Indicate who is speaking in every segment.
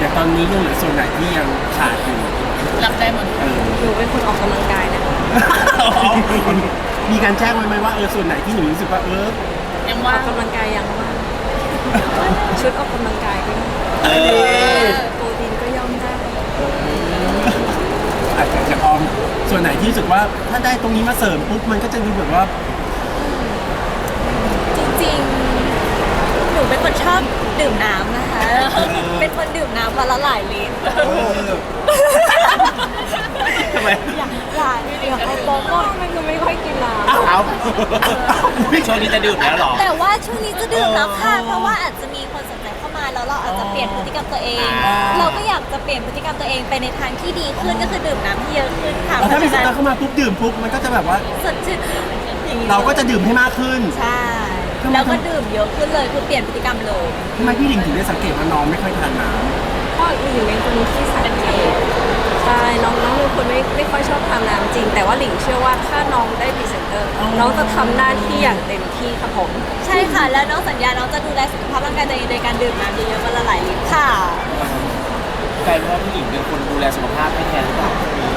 Speaker 1: แต่ตอนนี้ยังเหลือส่วนไหนที่ยังขาดอยู่
Speaker 2: รับได้หมด
Speaker 3: หนูเป็นคนออกกำลังกายนะคะ
Speaker 1: มีการแจ้งไว้ไหมว่าส่วนไหนที่หนูรู้สึกว่า
Speaker 2: ยัง
Speaker 3: อ
Speaker 2: ว่า
Speaker 3: อกกำลังกายยังว่างชุดออกกำลังกายก็ย่อมโปรตีนก็ย่อมได้
Speaker 1: อาจจะออมส่วนไหนที่รู้สึกว่าถ้าได้ตรงนี้มาเสริมปุ๊บมันก็จะดูแบบว่า
Speaker 4: จริงๆหนูเป็นคนชอบดื่มน้ำนะคะเป็นคนดื่มน้ำวันละหลายลิตร
Speaker 1: ทำไม
Speaker 4: อยากให้โปโก้มันก็ไม่ค่อยกินน้ำ
Speaker 1: เอา
Speaker 5: ช่วงนี้จะดื่มแล้วหรอ
Speaker 4: แต่ว่าช่วงนี้จะดื่มแล้วค่ะเพราะว่าอาจจะมีคนสนใจเข้ามาแล้วเราอาจจะเปลี่ยนพฤติกรรมตัวเองเราก็อยากจะเปลี่ยนพฤติกรรมตัวเองไปในทางที่ดีขึ้นก็คือดื่มน้ำที่เยอะขึ้นค่ะ
Speaker 1: ถ้ามีสตาร์เข้ามาปุ๊บดื่มปุ๊บมันก็จะแบบว่า
Speaker 4: สดชื่น
Speaker 1: เราก็จะดื่มให้มากขึ้น
Speaker 4: ใช่แล้วก็ดื่มเยอะขึ้นเลยคือเปลี่ยนพฤติกรรมเลย
Speaker 1: ทำไมพี่หลิงถึงได้สังเกตว่าน้องไม่ค่อยทานน้
Speaker 3: ำก็หลิงเป็นคนที่สังเกตใช่น้องเป็นคนไม่ค่อยชอบทานน้ำจริงแต่ว่าหลิงเชื่อว่าถ้าน้องได้พรีเซนเตอร์น้องจะทำหน้าที่อย่างเต็มที่ครับผม
Speaker 4: ใช่ค่ะแล้วน้องสัญญาน้องจะดูแลสุขภาพร่างกายตัวเองโดยการดื่มน้ำเยอะๆวันละหลายลิตรค่ะ
Speaker 5: กลายเป็นว่าพี่หลิงเป็นคนดูแลสุขภาพให้แทนหรือเปล่า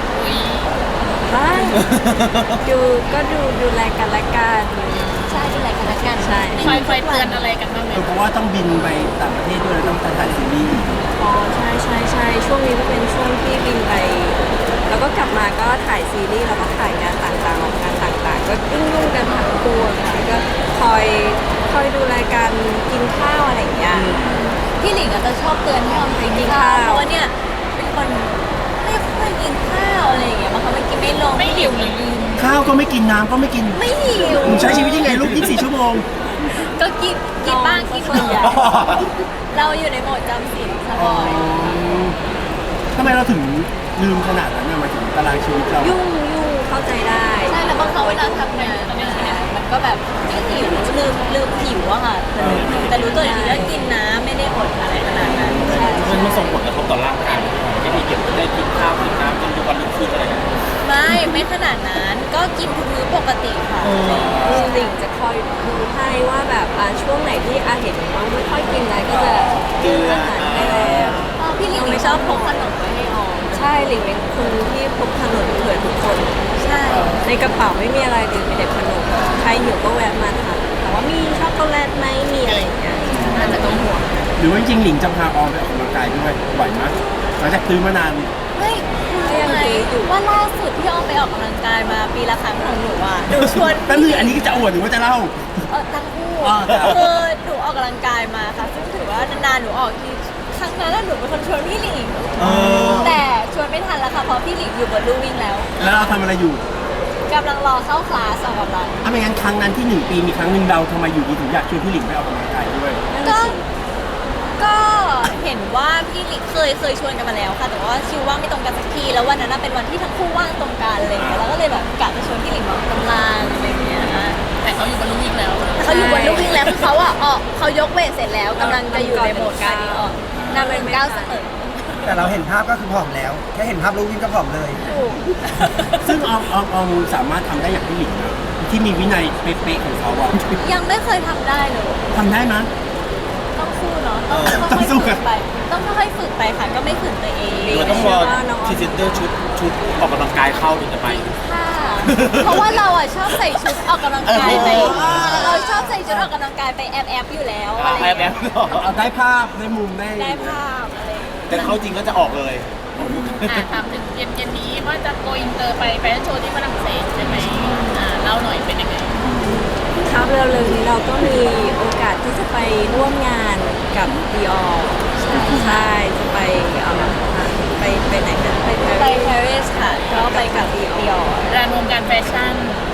Speaker 3: ดูแลกันและกัน
Speaker 4: ใช่ดูแลกันและกัน
Speaker 3: ใช่
Speaker 2: คอยเตือนอะไรกันบ้างไหม
Speaker 1: เพราะว่าต้องบินไปต่างประเทศด้วยต้องถ่ายซีรีส์
Speaker 3: อ๋อใช่ช่วงนี้ก็เป็นช่วงที่บินไปแล้วก็กลับมาก็ถ่ายซีรีส์แล้วก็ถ่ายงานต่างๆออกงานต่างๆก็ยุ่งกันทั้งตัวค่ะก็คอยดูแลกันกินข้าวอะไรอย่างเงี้ย
Speaker 4: พี่หลิงจะชอบเตือนให้ออมไปกินข้าวเพราะว่าเนี่ยเป็นคนไม่ค่อยกินข้าวอะไรอย่างเงี้ยบางครั้งไม่กินไม่ลง
Speaker 2: ไม่หิวเลย
Speaker 1: ข้าวก็ไม่กินน้ำก็ไม่กิน
Speaker 4: ไม่หิว
Speaker 1: ใช้ชีวิตยังไงลูก24 ชั่วโมง
Speaker 4: ก็กินบ้างกินส่วนใหญ่เราอยู่ในโหมดจำศีลสบาย
Speaker 1: ทำไมเราถึงลืมขนาดนั้นมาถึงตารางชีวิตเรา
Speaker 3: ยุ่งเข้าใจได้
Speaker 4: ใช่แล้วบางครั้งเวลาทำงานมันก็แบบไม่หิวลืมหิวอะค่ะแต่รู้ตัวอีกทีว่ากินน้ำไม่ได้อดอะไรขนาดนั้น
Speaker 5: มันส่งผลกระทบต่อร่างกายไม่ได้เกี่ยวกับได้กินข้าวกินน้ำจนทุกวันรุ่งขึ้นอะไรกัน
Speaker 4: ไม่ขนาดนั้นก็กินทุกมื้อปกติค่ะ
Speaker 3: หลิงจะคอยดูให้ว่าแบบช่วงไหนที่เห็นน้องไม่ค่อยกินอะไรก็จะ
Speaker 4: เตือนให้แล้วพี่หลิงไม่ชอบพกขนมไว้ให้ออม
Speaker 3: ใช่หลิงเป็นคนที่พกขนมเผื่อทุกคน
Speaker 4: ใช่
Speaker 3: ในกระเป๋าไม่มีอะไรเลยมีแต่ขนมใครหิวก็แวะมาทานแต่ว่ามีช็อกโกแลตไหมมีอะไรอย่างเงี้ย
Speaker 4: อาจจะต้องห่วง
Speaker 1: หรือว่าจริงหลิงจะพาออมไปออกกำลังกายด้วยบ่อยไหมหลังจากซื้อมานาน
Speaker 4: ไม่ยังไงว่าล่าสุดที่ออมไปออกกำลังกายมาปีละครั้งของหนูอ่ะหนูชวน
Speaker 1: ตั้งแต่อันนี้จะอวดหรือว่าจะเล่า
Speaker 4: ทั้งคู่คือหนูออกกำลังกายมาค่ะซึ่งถือว่านานๆหนูออกทีครั้งนั้นหนูเป็นคนชวนพี่หลิงแต่ชวนไม่ทันแล้วค่ะเพราะพี่หลิงอยู่บนลู่วิ่งแล้ว
Speaker 1: เราทำอะไรอยู่
Speaker 4: กำลังรอเข้าคลาสออกกำลัง
Speaker 1: ไม่งั้นครั้งนั้นที่1 ปีมีครั้งหนึ่งเราทำไมอยู่ดีถึงอยากชวนพี่หลิงไปออกกำลังกายด้วย
Speaker 4: ก็เห็นว่าพี่หลิงเคยชวนกันมาแล้วค่ะแต่ว่าคิวว่างไม่ตรงกันสักทีแล้ววันนั้นเป็นวันที่ทั้งคู่ว่างตรงกันอะไรอย่างเงี้ยแล้วก็เลยแบบกะจะชวนพี่หลิงมาออกกำลังอะไรอย่างเงี้ย
Speaker 2: แต่เขาอยู่บนลู่วิ่งแล้ว
Speaker 4: เขาอยู่บนลู่วิ่งแล้วคือเขาเขายกเวทเสร็จแล้วกำลังจะอยู่ในโหมดการดีออกนำเป็นก้าวเสมอ
Speaker 6: แต่เราเห็นภาพก็คือผอมแล้วแค่เห็นภาพลูกวิ่งก็ผอมเลย
Speaker 1: ซึ่งออมสามารถทำได้อย่างพี่หลิงนะที่มีวินัยเป๊ะๆของเขาอะ
Speaker 4: ยังไม่เคยทำได้เลย
Speaker 1: ทำได้ไหม
Speaker 4: ต้องสู้เนาะต้องสู้กันไปต้องค่อยๆฝึกไปค่ะก็ไม่ฝืนตัวเอง
Speaker 5: เราต้องรอพรีเซนเตอร์ชุดออกกำลังกายเข้าถึงจะไป
Speaker 4: ค่ะเพราะว่าเราชอบใส่ชุดออกกำลังกายไปเราชอบใส่ชุดออกกำลังกายไปแอบอยู่แล้วอะไร
Speaker 5: แอบ
Speaker 1: เอาได้ภาพได้มุม
Speaker 4: ได้ภาพอะไร
Speaker 5: แต่เขาจริงก็จะออกเลย
Speaker 2: ถามถึงเย็นนี้ว่าจะโกอินเตอร์ไปแฟชั่นโชว์ที่ฝรั่งเศสใช่ไหมเล่าหน่อยเป็นยังไง
Speaker 3: ครับเร็วๆนี้เราก็มีโอกาสที่จะไปร่วมงานกับ Dior ใช่จะไปไหนกัน
Speaker 4: ไปปารีสค่ะก็ไปกับ Dior
Speaker 2: ร้านวงการแฟชั่น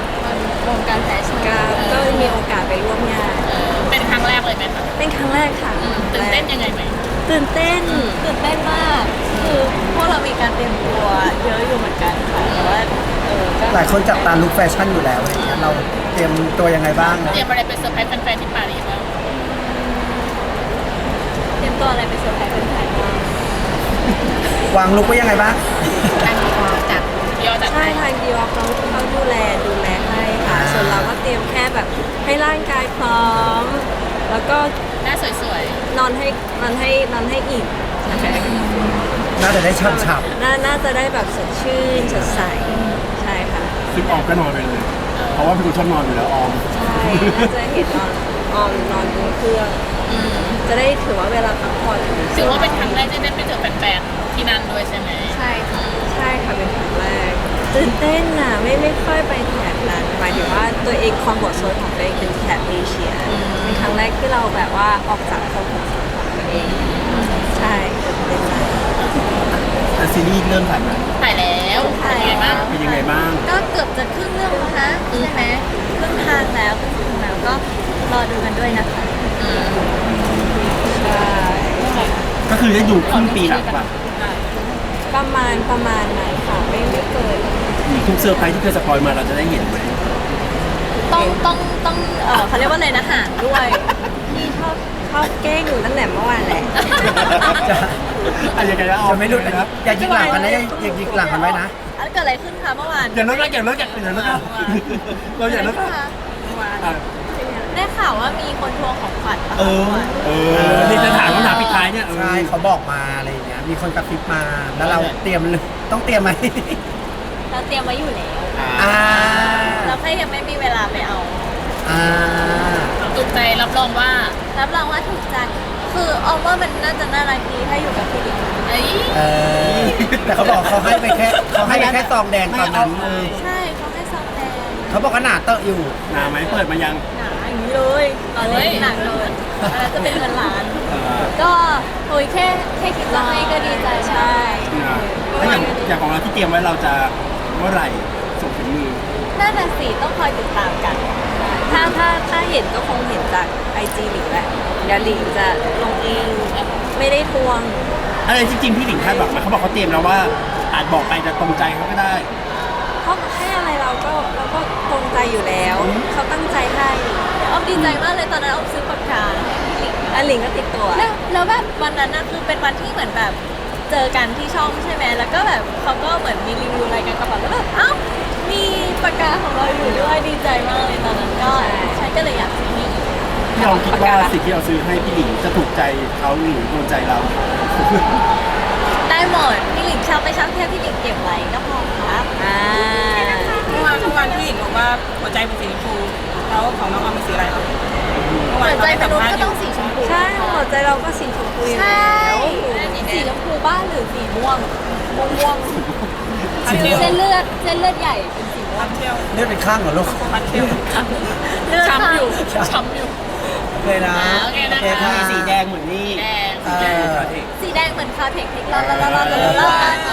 Speaker 3: ก็มีโอกาสไปร่วมงาน
Speaker 2: เป็นครั้งแรกเลยไหมคะ
Speaker 3: เป็นครั้งแรกค่ะ
Speaker 2: ตื่นเต้นยังไงไหม
Speaker 3: ตื่นเต้น
Speaker 4: มากคือพวกเรามีการเตรียมตัวเยอะอยู่เหมือนกันค่ะแต่ว่า
Speaker 6: หลายคนจับตาลุคแฟชั่นอยู่แล้วอะไรเงี้ยเราเตรียมตัวยังไงบ้าง
Speaker 2: เตรียมอะไรเป็นเซอร์ไพรส์แฟนๆที่ปารีสแล้ว
Speaker 4: เตรียมตัวอะไรเป็นเซอร์ไพรส์แฟนๆบ้าง
Speaker 6: วางลุคไว้ยังไงบ้าง
Speaker 2: ทางจัด
Speaker 3: ใช่ทางดีออเขาดูแลให้ค่ะส่วนเราก็เตรียมแค่แบบให้ร่างกายพร้อมแล้วก็
Speaker 2: หน้าสวย
Speaker 3: ๆนอนให้อิ่ม
Speaker 6: น่าจะได้ฉ่ำ
Speaker 3: น่าจะได้แบบสดชื่นสดใสใช่ค่ะ
Speaker 1: ซึ่งออมก็นอนไปเลย เพราะว่าเป็นคนชอบนอนอยู่แล้วออม
Speaker 3: ใช่น่าจะเห็นออมนอนบนเครื่องจะได้ถือว่าเวลาพักผ่อน
Speaker 2: ถือว่าเป็นครั้งแรกที่ได้ไปเจอแฟนๆที่นั่นด้วยใช่ไหม
Speaker 3: ใช่ค่ะใช่ค่ะเป็นครั้งแรกตื่นเต้นน่ะไม่ค่อยไปแถบนั้นหมายถึงว่าตัวเองคอมฟอร์ตโซนของตัวเองเป็นแถบเอเชียเป็นครั้งแรกที่เราแบบว่าออกจากคอมฟอร์ตโซนของตัวเองใช่ตื่นเต้นมาก
Speaker 1: แต่ซีรีส์เริ่มถ่ายแล้ว
Speaker 2: ถ่ายแล้วเป็นยังไงบ้าง
Speaker 1: เป็นยังไงบ้าง
Speaker 4: ก็เกือบจะครึ่งเรื่องแล้วนะใช่ไหมครึ่งทางแล้วครึ่งทางแล้วก็รอดูกันด้วยนะคะ
Speaker 3: ใช่
Speaker 1: ก็คือได้ดูครึ่งปีหลังป่ะ
Speaker 3: ประมาณนั้นค่ะไม่เกิน
Speaker 1: ทุกเซอร์ไพรส์ที่เคยสปอยมาเราจะได้เห็นไหม
Speaker 4: ต้องเขาเรียกว่าอะไรนะหางด้วย
Speaker 3: พี่ชอบแกล้งหนูตั้งแต่เมื่อวานแหละ
Speaker 6: ๆจะ
Speaker 1: อะไรยังไงนะออม
Speaker 6: จะไม่หลุดนะอย่ายิงหลังกันนะอย่ายิงหลังกันไว้นะ
Speaker 4: อันเกิดอะไรขึ้นคะเมื่อวาน
Speaker 1: อย่าเลิกนะอย่าเลิกอย่าเลิกนะเราอย่าเลิก
Speaker 4: ได้
Speaker 1: นะ
Speaker 4: ได้ข่าวว่ามีคนทวงของขวัญปะ
Speaker 1: เออนี่จะถามคำถามปิดท้ายเนี่ย
Speaker 6: ใช่เขาบอกมาอะไรอย่างเงี้ยมีคนกระซิบมาแล้วเราเตรียมต้องเตรียมไหม
Speaker 4: เราเตรียมไว้อยู่แล้ว
Speaker 6: อ่า
Speaker 4: เราแค่ยังไม่มีเวลาไปเอา
Speaker 6: อ่า
Speaker 2: ถูกใจรับรองว่า
Speaker 4: รับรองว่าถูกใจคือออมว่ามันน่าจะน่ารักดีถ้าอยู่กับพี่ดิ๊ก
Speaker 2: เอ้ย
Speaker 6: เออแต่เขาบอกเขาให้ไปแค่ซองแดงตอนนั้น
Speaker 4: ใช่เขาให้ซองแดง
Speaker 6: เขาบอกว่าหนาเตอะอยู่
Speaker 1: หนาไหมเปิดมายัง
Speaker 4: หนาอย่างนี้เลยตอนนี้หนักเลยแล้วจะเป็นเงินล้าน ก็โอ้ยแค่คิดจะให้ก็ดีใจใช่
Speaker 1: ถ้าอย่างของเราที่เตรียมไว้เราจะเมื่อไหร่ส่งถึงมือ
Speaker 4: น่าจะสีต้องคอยติดตามกัน
Speaker 3: ถ้าเห็นก็คงเห็นจากไอจีหลิงแหละเดี๋ยวหลิงจะลงเองไม่ได้ทวง
Speaker 1: อะไรจริงๆพี่หลิงคาดหวังมาเขาบอกเขาเตรียมแล้วว่าอาจบอกไปจะตรงใจเขาก็ได้
Speaker 3: เพราะให้อะไรเราก็ตรงใจอยู่แล้ว เขาตั้งใจให้
Speaker 4: ออมดีใจมากเลยตอนนั้นออมซื้อปากกาให้พี่หลิง
Speaker 3: อันหลิงก็ติดตัว
Speaker 4: แล้วแบบวันนั้นนะคือเป็นวันที่เหมือนแบบเจอกันที่ช่องใช่ไหมแล้วก็แบบเขาก็เหมือนมีรีวิวรายการกระเป๋าแล้วแบบเอ้ามีปากกาของเราอยู่ด้วยดีใจมากเลยตอนนั้นก็ฉันก็เลยอยากซื้อให้อีก
Speaker 1: พี่ลองคิดว่าสิ่งที่เราซื้อให้พี่หลิงจะถูกใจเขาหรือโดนใจเรา
Speaker 4: ได้หมดพี่หลิงชอบไม่ชอบแค่พี่หลิงเก็บไว้ก็พอครับ
Speaker 7: เมื่อวานพี่หญิงบอกว่าหัวใจเป็นสีชมพูแล้วของน้องออมเป็นสีอะไรครับเมื่อวา
Speaker 4: หั
Speaker 7: น
Speaker 4: วใจ
Speaker 7: เขา
Speaker 4: ม
Speaker 7: ให้สัม
Speaker 4: นุษ
Speaker 7: ภาษณ์อยู่
Speaker 4: ย์ก็ต้องสีชมพู
Speaker 3: ใช่หัวใจเราก็สีชมพูอยู่
Speaker 4: ใช่
Speaker 3: แล้ว
Speaker 4: สีชมพูบ้านหรือสีม่วงม่วง
Speaker 7: พันเที่ยว
Speaker 4: เส้นเลือดใหญ่เป็นสีม่ว
Speaker 7: พั
Speaker 4: ง
Speaker 7: นเที่ยว
Speaker 6: เลือดเป็นข้างเหรอลูก
Speaker 7: พันเที่ยว
Speaker 4: เลือด
Speaker 2: ช้ำอยู่
Speaker 4: ค่ะ
Speaker 2: ช้ำอยู่
Speaker 6: เลยนะ
Speaker 2: โอเคนะคะ
Speaker 6: ค่ะ
Speaker 1: มีสีแดงเหมือนนี่
Speaker 2: แดง
Speaker 6: เออ
Speaker 4: สีแดงเหมือนคาเทคนิคร้อน